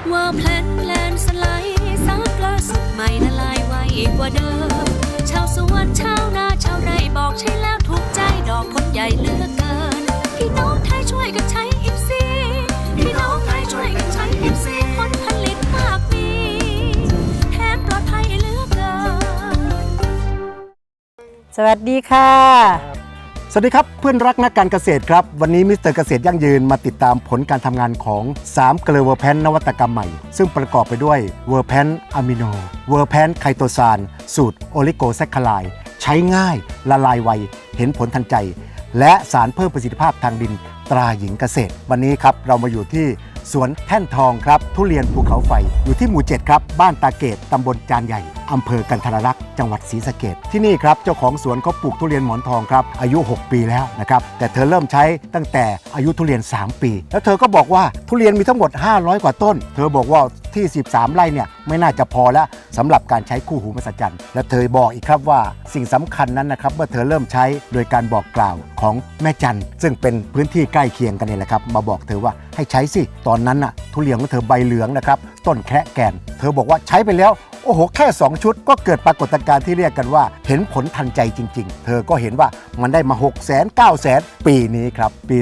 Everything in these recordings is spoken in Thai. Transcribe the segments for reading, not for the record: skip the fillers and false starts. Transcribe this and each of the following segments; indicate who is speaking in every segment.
Speaker 1: ว่าแพลนสไลด์ซักล่าสุดใหม่ละลายไวกว่าเดิมชาวสวนชาวนาชาวไร่บอกใช่แล้วถูกใจดอกผลใหญ่เหลือเกินพี่น้องไทยช่วยกันใช้อิฟซีพี่น้องไทยช่วยกันใช้อิฟซีผลผลิตมากมีแถมปลอดภัยเหลือเกิน
Speaker 2: สวัสดีค่ะ
Speaker 3: สวัสดีครับเพื่อนรักนักการเกษตรครับวันนี้มิสเตอร์เกษตรยั่งยืนมาติดตามผลการทำงานของ3เกลือเวอร์แพนนวัตกรรมใหม่ซึ่งประกอบไปด้วยเวอร์แพนอะมิโนเวอร์แพนไคโตซานสูตรโอลิโกแซคคาไลด์ใช้ง่ายละลายไวเห็นผลทันใจและสารเพิ่มประสิทธิภาพทางดินตราหญิงเกษตรวันนี้ครับเรามาอยู่ที่สวนแท่นทองครับทุเรียนภูเขาไฟอยู่ที่หมู่ 7ครับบ้านตาเกตตำบลจานใหญ่อำเภอกันทรลักษณ์จังหวัดศรีสะเกษที่นี่ครับเจ้าของสวนเขาปลูกทุเรียนหมอนทองครับอายุ6ปีแล้วนะครับแต่เธอเริ่มใช้ตั้งแต่อายุทุเรียน3ปีแล้วเธอก็บอกว่าทุเรียนมีทั้งหมด500กว่าต้นเธอบอกว่าที่13ไร่เนี่ยไม่น่าจะพอแล้วสำหรับการใช้คู่หูมหัศจรรย์และเธอบอกอีกครับว่าสิ่งสำคัญนั้นนะครับเมื่อเธอเริ่มใช้โดยการบอกกล่าวของแม่จันซึ่งเป็นพื้นที่ใกล้เคียงกันนี่แหละครับมาบอกเธอว่าให้ใช้สิตอนนั้นน่ะทุเรียนของเธอใบเหลืองนะครับต้นแคะแก่นเธอบอกว่าใช้ไปแล้วโอ้โหแค่2ชุดก็เกิดปรากฏการณ์ที่เรียกกันว่าเห็นผลทันใจจริงๆเธอก็เห็นว่ามันได้มา600,000 900,000ปีนี้ครับปี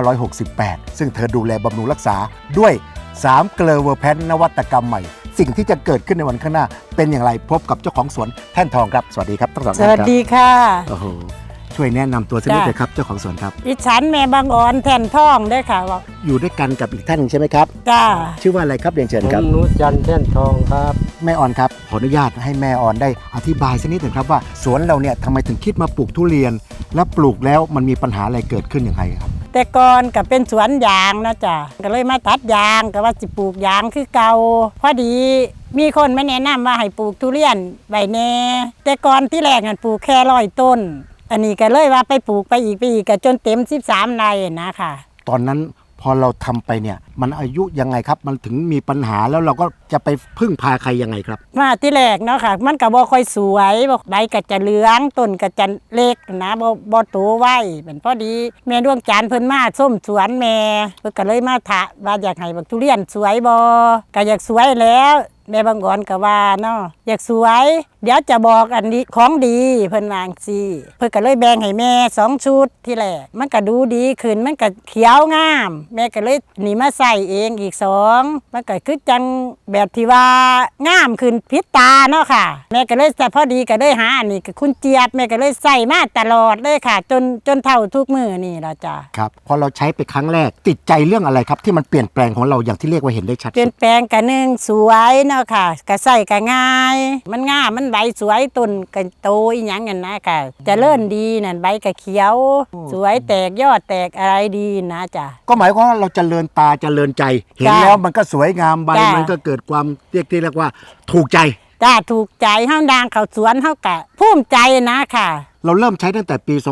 Speaker 3: 2568ซึ่งเธอดูแลบำรุงรักษาด้วย3เกลือเวอร์แพนนวัตกรรมใหม่สิ่งที่จะเกิดขึ้นในวันข้างหน้าเป็นอย่างไรพบกับเจ้าของสวนแท่นทองครับสวัสดีครับทั้งสองท่านครับ
Speaker 2: สวัสดีค่ะ
Speaker 3: โอ้โหช่วยแนะนำตัวสักนิดเลยครับเจ้าของสวนครับ
Speaker 2: ดิฉันแม่บางอ่อนแท่นทองด้วยค่ะ
Speaker 3: อยู่ด้วยกันกับอีกท่านใช่ไหมครับ
Speaker 2: จ้า
Speaker 3: ชื่อว่าอะไรครับเรียนเชิญครับ
Speaker 4: นุจันทร์แท่นทองครับ
Speaker 3: แม่ออนครับขออนุญาตให้แม่ออนได้อธิบายสักนิดหนึ่งครับว่าสวนเราเนี่ยทำไมถึงคิดมาปลูกทุเรียนและปลูกแล้วมันมีปัญหาอะไรเกิดขึ้นอย่างไรครับ
Speaker 2: แต่ก่อนก็เป็นสวนยางนะจ้ะก็เลยมาตัดยางก็ว่าสิปลูกยางคือเก่าพอดีมีคนมาแนะนำว่าให้ปลูกทุเรียนใบแน่แต่ก่อนที่แรกนั่นปลูกแค่100 ต้นอันนี้ก็เลยว่าไปปลูกไปอีกก็จนเต็ม13ไร่นะค่ะ
Speaker 3: ตอนนั้นพอเราทำไปเนี่ยมันอายุยังไงครับมันถึงมีปัญหาแล้วเราก็จะไปพึ่งพาใครยังไงครับ
Speaker 2: มาที่แรกเนาะค่ะมันก็บ่ค่อยสวยใบก็จะเหลืองต้นก็จะเล็กนะบ่โตไวเป็นพอดีแม่ดวงจันทร์เพิ่นมาส้มสวนแม่เพิ่นก็เลยมาถามว่าอยากให้บักทุเรียนสวยบ่ก็อยากสวยแล้วแม่บางอ่อนก็ว่าเนาะอยากสวยเดี๋ยวจะบอกอันนี้ของดีเพิ่นวางสิเพิ่นก็เลยแบ่งให้แม่2ชุดที่แรกมันก็ดูดีขึ้นมันก็เขียวงามแม่ก็เลยนี่มาใส่เองอีก2มันก็คือจังแบบที่ว่างามขึ้นพิษตาเนาะค่ะแม่ก็เลยแต่พอดีก็เลยหาอันนี้กับคุณเจี๊ยบแม่ก็เลยใส่มาตลอดเลยค่ะจนเท่าทุกมื้อนี่ล่ะจ้ะ
Speaker 3: ครับพอเราใช้ไปครั้งแรกติดใจเรื่องอะไรครับที่มันเปลี่ยนแปลงของเราอย่างที่เรียกว่าเห็นได้ชัด
Speaker 2: เปลี่ยนแปลงกันนึงสวยเนาะค่ะก็ใส่ก็ง่ายมันงามมันใบสวยต้นก็โตอีหยังนั่นนะค่ะเจริญดีนั่นใบก็เขียวสวยแตกยอดแตกอะไรดีนะจ้ะ
Speaker 3: ก็หมายความว่าเราเจริญตาเจริญใจเห็นแล้วมันก็สวยงามใบมันก็เกิดความเรียกว่าถูกใจ
Speaker 2: จ้าถูกใจเฮาดังเข้าสวนเฮาก็ภูมิใจนะค่ะ
Speaker 3: เราเริ่มใช้ตั้งแต่ปี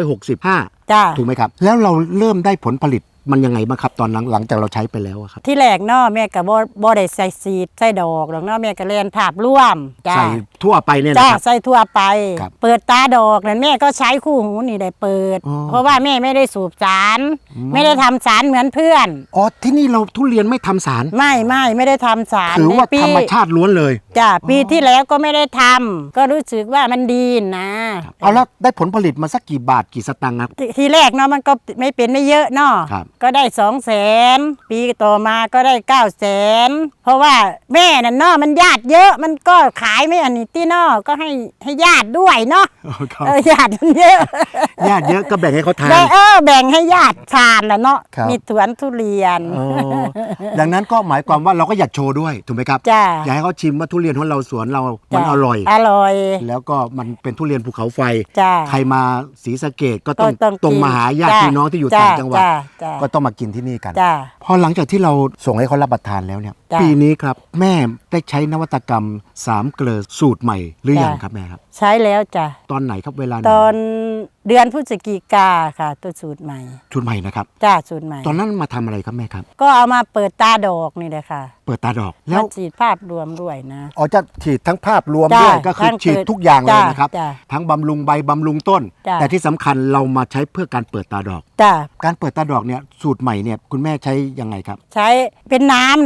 Speaker 3: 2565
Speaker 2: จ้า
Speaker 3: ถูกไหมครับแล้วเราเริ่มได้ผลผลิตมันยังไงบ้างครับตอนหลังจากเราใช้ไปแล้วครับ
Speaker 2: ที่แรกเนาะแม่ก็บ่ได้ใส่ซีดใส่ดอกหรอกเนาะแม่ก็เรียนภาพร่วม
Speaker 3: ใส่ทั่วไปเนี่ย
Speaker 2: นะครับใส่ทั่วไปเปิดตาดอกนั่นแม่ก็ใช้คู่หูนี่ได้เปิดเพราะว่าแม่ไม่ได้สูบสารไม่ได้ทำสารเหมือนเพื่อน
Speaker 3: อ๋อที่นี่เราทุเรียนไม่ทำสาร
Speaker 2: ไม่ได้ทำสาร
Speaker 3: ถือว่าธรรมชาติล้วนเลย
Speaker 2: จ้ะปีที่แล้วก็ไม่ได้ทำก็รู้สึกว่ามันดีนะ
Speaker 3: เอาแล้วได้ผลผลิตมาสักกี่บาทกี่สตางค์ครับ
Speaker 2: ทีแรกเนาะมันก็ไม่เยอะเนาะก็ได้200,000ปีต่อมาก็ได้900,000เพราะว่าแม่น่ะเนาะมันญาติเยอะมันก็ขายไม่อันนี้ที่เนาะก็ให้ญาติด้วยเนาะญาติมันเยอะ
Speaker 3: ญาติเยอะก็แบ่งให้เขาทาน
Speaker 2: แบ่งให้ญาติทานน่ะเนาะมีสวนทุเรียน
Speaker 3: ดังนั้นก็หมายความว่าเราก็อยากโชว์ด้วยถูกไหมครับอยากให้เขาชิมว่าทุเรียนของเราสวนเรามันอร่อยแล้วก็มันเป็นทุเรียนภูเขาไฟใครมาศรีสะเกษก็ต้องตรงมาหาญาติพี่น้องที่อยู่ต่างจังหวัดก็ต้องมากินที่นี่กันพอหลังจากที่เราส่งให้เขารับประทานแล้วเนี่ยปีนี้ครับแม่ได้ใช้นวัตกรรม3เกลือสูตรใหม่หรือยังครับแม่ครับ
Speaker 2: ใช้แล้วจ้ะ
Speaker 3: ตอนไหนครับเวลา
Speaker 2: ตอนเดือนพฤศจิกาค่ะตัวสูตรใหม่
Speaker 3: นะครับ
Speaker 2: จ้าสูตรใหม่
Speaker 3: ตอนนั้นมาทำอะไรครับแม่ครับ
Speaker 2: ก็เอามาเปิดตาดอกนี่แหละค่ะ
Speaker 3: เปิดตาดอกแล้ว
Speaker 2: ฉีดภาพรวมด้วยนะ
Speaker 3: อ๋อจะฉีดทั้งภาพรวมด้วยก็คือฉีดทุกอย่างเลยนะครับทั้งบำรุงใบบำรุงต้นแต่ที่สำคัญเรามาใช้เพื่อการเปิดตาดอกการเปิดตาดอกเนี่ยสูตรใหม่เนี่ยคุณแม่ใช้ยังไงครับ
Speaker 2: ใช้เป็นน้ำนั่น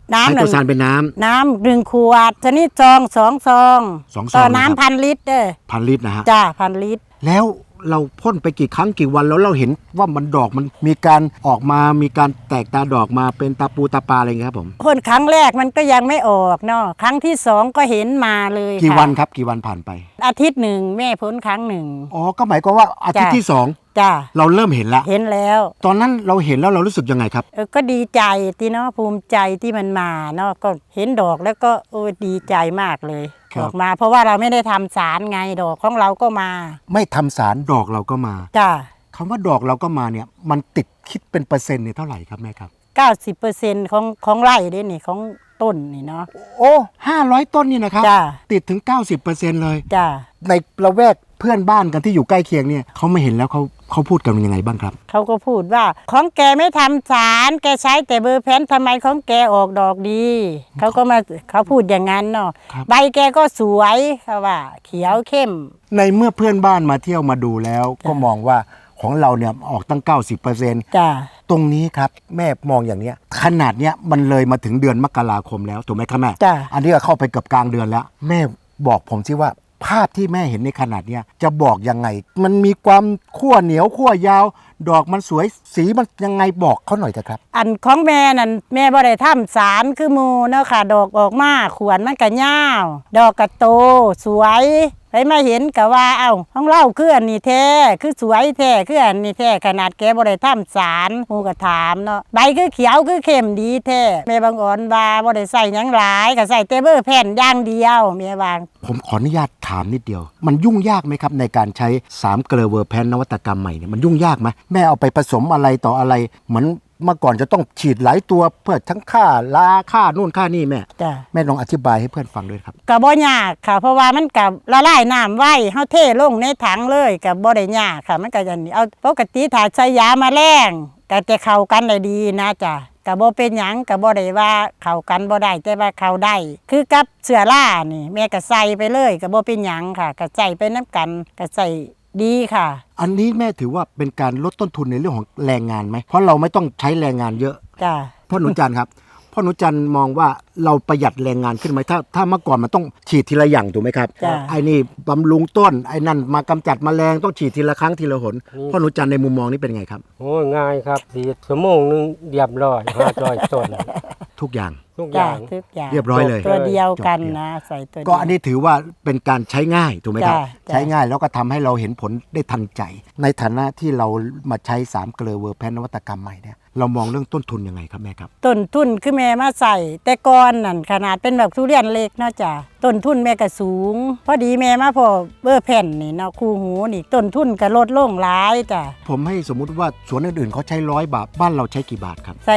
Speaker 2: น้ำ
Speaker 3: ไคโตซานเป็นน้ำ
Speaker 2: น้ำ1 ขวดชนิดซอง2 ซอง
Speaker 3: 2 ซอง
Speaker 2: ต่อ
Speaker 3: นะครับ
Speaker 2: น้ำ1,000 ลิตรเด้อ
Speaker 3: 1,000 ลิตรนะฮะ
Speaker 2: จ้า1,000 ลิตร
Speaker 3: แล้วเราพ่นไปกี่ครั้งกี่วันแล้วเราเห็นว่ามันดอกมันมีการออกมามีการแตกตาดอกมาเป็นตาปูตาปลาอะไรอย่างเงี้ยครับผม
Speaker 2: พ่นครั้งแรกมันก็ยังไม่ออกเนาะครั้งที่2ก็เห็นมาเลย
Speaker 3: กี่
Speaker 2: ค่ะ
Speaker 3: วันครับกี่วันผ่านไป
Speaker 2: อาทิตย์หนึ่งแม่พ่นครั้งหนึ่ง
Speaker 3: อ๋อก็หมายความว่าอาทิตย์
Speaker 2: จ้ะ
Speaker 3: ที่
Speaker 2: จ้า
Speaker 3: 2 เราเริ่มเห็นแล้ว
Speaker 2: เห็นแล้ว
Speaker 3: ตอนนั้นเราเห็นแล้วเรารู้สึกยังไงครับ
Speaker 2: ก็ดีใจที่เนาะภูมิใจที่มันมาเนาะก็เห็นดอกแล้วก็ดีใจมากเลย
Speaker 3: ครับ
Speaker 2: ดอกมา เพราะว่าเราไม่ได้ทำสารไงดอกของเราก็มา
Speaker 3: ไม่ทำสารดอกเราก็มา
Speaker 2: จ้า
Speaker 3: คำว่าดอกเราก็มาเนี่ยมันติดคิดเป็นเปอร์เซ็นต์เนี่ยเท่าไหร่ครับแม่ครับ
Speaker 2: 90%ของไร่เด้นี่ของต้นนี่เนาะ
Speaker 3: โอ้500 ต้นนี่นะครับ
Speaker 2: จ้า
Speaker 3: ติดถึง 90%เลย
Speaker 2: จ้า
Speaker 3: ในละแวกเพื่อนบ้านกันที่อยู่ใกล้เคียงเนี่ยเขาไม่เห็นแล้วเขาพูดกันยังไงบ้างครับ
Speaker 2: เขาก็พูดว่าของแกไม่ทำสารแกใช้แต่เบอร์แพนทำไมของแกออกดอกดีเขาพูดอย่างนั้นเนาะ
Speaker 3: ครับ
Speaker 2: ใบแกก็สวยเขาว่า เขียวเข้ม
Speaker 3: ในเมื่อเพื่อนบ้านมาเที่ยวมาดูแล้วก็มองว่าของเราเนี่ยออกตั้ง 90%
Speaker 2: จ้า
Speaker 3: ตรงนี้ครับแม่มองอย่างเนี้ยขนาดเนี้ยมันเลยมาถึงเดือนมกราคมแล้วถูกไหมครับแม่
Speaker 2: จ้า
Speaker 3: อันนี้ก็เข้าไปเกือบกลางเดือนแล้ว แม่บอกผมสิว่าภาพที่แม่เห็นในขนาดเนี้ยจะบอกยังไง มันมีความขั้วเหนียวขั้วยาว ดอกมันสวยสีมันยังไงบอกเขาหน่อยเถอะครับ
Speaker 2: อันของแม่นั่นแม่บ่ได้ทำสารคือหมูเนาะค่ะ ดอกออกมาขวนมันก็ยาวดอกก็โตสวยไปมาเห็นก็ว่าเอ้าของเราคืออันนี้แท้คือสวยแท้คืออันนี้แท้ขนาดแกบ่ได้ทำสารหมูก็ถามเนาะใบคือเขียวคือเข้มดีแท้แม่บางอ่อนว่าบ่ได้ใส่หยังหลายก็ใส่แต่เบอร์แผ่นอย่างเดียวแม่วาง
Speaker 3: ผมขออนุญาตถามนิดเดียว มันยุ่งยากไหมครับในการใช้3เกลอเวอร์แพนนวัตกรรมใหม่เนี่ยมันยุ่งยากไหมแม่เอาไปผสมอะไรต่ออะไรเหมือนเมื่อก่อนจะต้องฉีดหลายตัวเพื่อทั้งค่าลาค่านู่นค่านี่แม่
Speaker 2: จ้ะ
Speaker 3: แม่ลองอธิบายให้เพื่อนฟังด้วยครับ
Speaker 2: ก็บ่ยากค่ะ เพราะว่ามันกับละลายน้ำไว้เฮาเทลงในถังเลยก็บ่ได้ยากค่ะ มันก็อย่างนี้เอาปกติถ้าใช้ยาแมลงก็จะเข้ากันได้ดีนะจ้ะก็บ่เป็นหยังก็บ่ได้ว่าเข้ากันบ่ได้แต่ว่าเข้าได้ คือกับเสื้อรานี่แม่ก็ใส่ไปเลยก็บ่เป็นหยังค่ะก็ใส่ไปนํกันก็ใส่ดีค่ะ
Speaker 3: อันนี้แม่ถือว่าเป็นการลดต้นทุนในเรื่องของแรงงานไหมเพราะเราไม่ต้องใช้แรงงานเยอะ
Speaker 2: จ้ะ
Speaker 3: พ่อหนูจันทร์ครับพ่อหนูจันทร์มองว่าเราประหยัดแรงงานขึ้นไหมถ้าเมื่อก่อนมันต้องฉีดทีละอย่างถูกไหมครับ
Speaker 2: จ้ะ
Speaker 3: ไอ้นี่บำรุงต้นไอ้นั่นมากำจัดแมลงต้องฉีดทีละครั้งทีละหนพ่อหนูจันทร์ในมุมมองนี้เป็นไงครับ
Speaker 4: โอ้ยง่ายครับสีชั่วโมงนึงเรียบร้อย500 ต้น
Speaker 3: ทุกอย่าง
Speaker 4: ทุกอ
Speaker 2: จ้ะ
Speaker 4: ย่าง
Speaker 2: ทุกอย่าง
Speaker 3: เรียบร้อยเลย
Speaker 2: ตัวเดียวกัน
Speaker 3: จบ
Speaker 2: นะใส่ตัวเดียว
Speaker 3: ก็อันนี้ถือว่าเป็นการใช้ง่ายถูกไหมครับ
Speaker 2: จ้ะจ้ะ
Speaker 3: ใช้ง่ายแล้วก็ทำให้เราเห็นผลได้ทันใจ ในฐานะที่เรามาใช้3เกลอเวอร์แพนนวัตกรรมใหม่เนี่ยเรามองเรื่องต้นทุนยังไงครับแม่ครับ
Speaker 2: ต้นทุนคือแม่มาใส่ แต่ก่อนนั่นขนาดเป็นแบบทุเรียนเล็กเนาะจ้ะต้นทุนแม่ก็สูง พอดีแม่มาพอเบอร์แผ่นนี่เนาะคู่หูนี่ต้นทุนก็ลดลงหลายจ้ะ
Speaker 3: ผมให้สมมุติว่าสวนอื่นๆเขาใช้100 บาทบ้านเราใช้กี่บาทครับ
Speaker 2: ใส่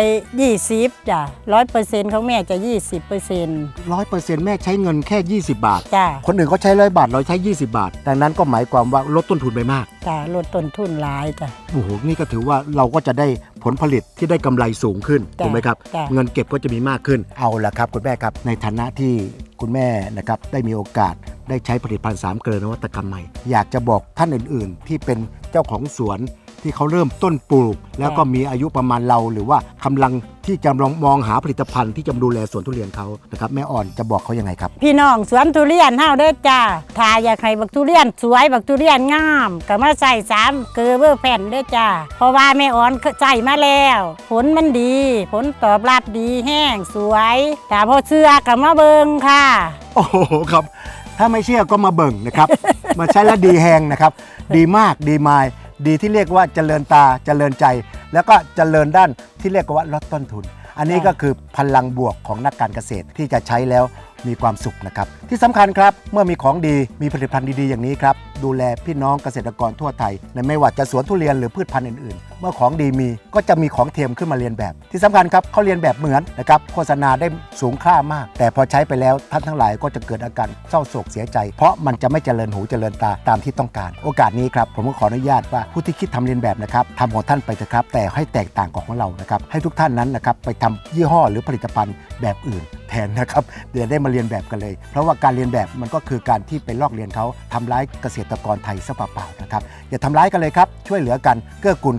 Speaker 2: 20จ้ะ100%ของแม่จะ 20%
Speaker 3: 100%แม่ใช้เงินแค่ 20 บาท
Speaker 2: จ้ะ
Speaker 3: คนอื่นเขาใช้100 บาทเราใช้ 20 บาท ดังนั้นก็หมายความว่าลดต้นทุนไปมาก
Speaker 2: จ้ะลดต้นทุนหลายจ้ะ
Speaker 3: โอ้โหนี่ก็ถือว่าเราก็จะได้ผลผลิตที่ได้กำไรสูงขึ้น
Speaker 2: จ้ะ
Speaker 3: ถูกไหมครับ
Speaker 2: จ้ะ
Speaker 3: เงินเก็บก็จะมีมากขึ้นเอาละครับคุณแม่ครับในฐานะที่คุณแม่นะครับได้มีโอกาสได้ใช้ผลิตภัณฑ์3เกลอนวัตกรรมใหม่อยากจะบอกท่านอื่นๆ ที่เป็นเจ้าของสวนที่เขาเริ่มต้นปลูก แล้วก็มีอายุประมาณเราหรือว่ากำลังที่จะลองมองหาผลิตภัณฑ์ที่จะดูแลสวนทุเรียนเขานะครับแม่อ่อนจะบอกเขายังไงครับ
Speaker 2: พี่น้องสวนทุเรียนเฮาเด้อจ้าถ้าอยากให้บักทุเรียนสวยบักทุเรียนงามก็มาใส่3เกลือเบอร์แผ่นเด้อจ้าเพราะว่าแม่อ่อนใส่มาแล้ว ผลมันดี ผลตอบรับดีแห้งสวยแต่พอเชื่อก็มาเบิ่งค่ะ
Speaker 3: โอ้โหครับถ้าไม่เชื่อก็มาเบิ่งนะครับ มาใช้แล้วดีแหงนะครับ ดีมากดีมายดีที่เรียกว่าเจริญตาเจริญใจ แล้วก็เจริญด้านที่เรียกว่าลดต้นทุน อันนี้ก็คือพลังบวกของนักการเกษตรที่จะใช้แล้วมีความสุขนะครับที่สำคัญครับเมื่อมีของดีมีผลิตภัณฑ์ดีๆอย่างนี้ครับดูแลพี่น้องเกษตรกรทั่วไทยในไม่ว่าจะสวนทุเรียนหรือพืชพันธุ์อื่นๆ เมื่อของดีมีก็จะมีของเทียมขึ้นมาเรียนแบบ ที่สำคัญครับเขาเรียนแบบเหมือนนะครับโฆษณาได้สูงค่ามาก แต่พอใช้ไปแล้วท่านทั้งหลายก็จะเกิดอาการเศร้าโศกเสียใจ เพราะมันจะไม่เจริญหูเจริญตาตามที่ต้องการ โอกาสนี้ครับผมก็ขออนุญาตว่าผู้ที่คิดทำเรียนแบบนะครับทำของท่านไปเถอะครับแต่ให้แตกต่างของเรานะครับให้ทุกท่านนั้นนะครับไปทำยี่ห้อหรือผลิตภัณฑ์แบบอื่นแทนนะครับเดี๋ยวได้มาเรียนแบบกันเลยเพราะว่าการเรียนแบบมันก็คือการที่ไปลอกเรียนเขาทำร้ายเกษตรกรไทยซะเปล่าๆนะครับอย่าทำร้ายกันเลยครับช่วยเหลือกันเกื้อกูลกัน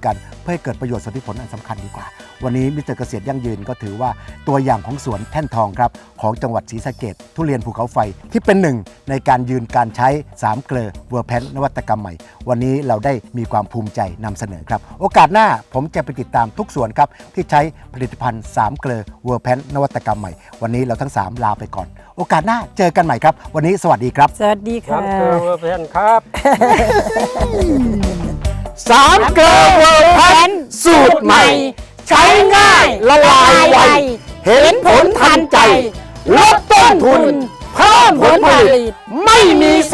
Speaker 3: พื่อให้เกิดประโยชน์ส่วนที่ผลอันสำคัญดีกว่าวันนี้มิสเตอร์เกษตรยั่งยืนก็ถือว่าตัวอย่างของสวนแท่นทองครับของจังหวัดศรีสะเกษทุเรียนภูเขาไฟที่เป็นหนึ่งในการยืนการใช้3เกลอเวอร์แพนนวัตกรรมใหม่วันนี้เราได้มีความภูมิใจนำเสนอครับโอกาสหน้าผมจะไปติดตามทุกสวนครับที่ใช้ผลิตภัณฑ์3เกลอเวอร์แพนนวัตกรรมใหม่วันนี้เราทั้ง3ลาไปก่อนโอกาสหน้าเจอกันใหม่ครับวันนี้สวัสดีครับ
Speaker 2: สวัสดี
Speaker 4: ครั
Speaker 2: ค่ะ
Speaker 4: บเวอร์แพนครับ
Speaker 3: 3เกลอเวอร์แพนสูตรใหม่ใช้ง่ายละลายไวเห็นผลทันใจลดต้นทุนเพิ่มผลผลิตไม่มี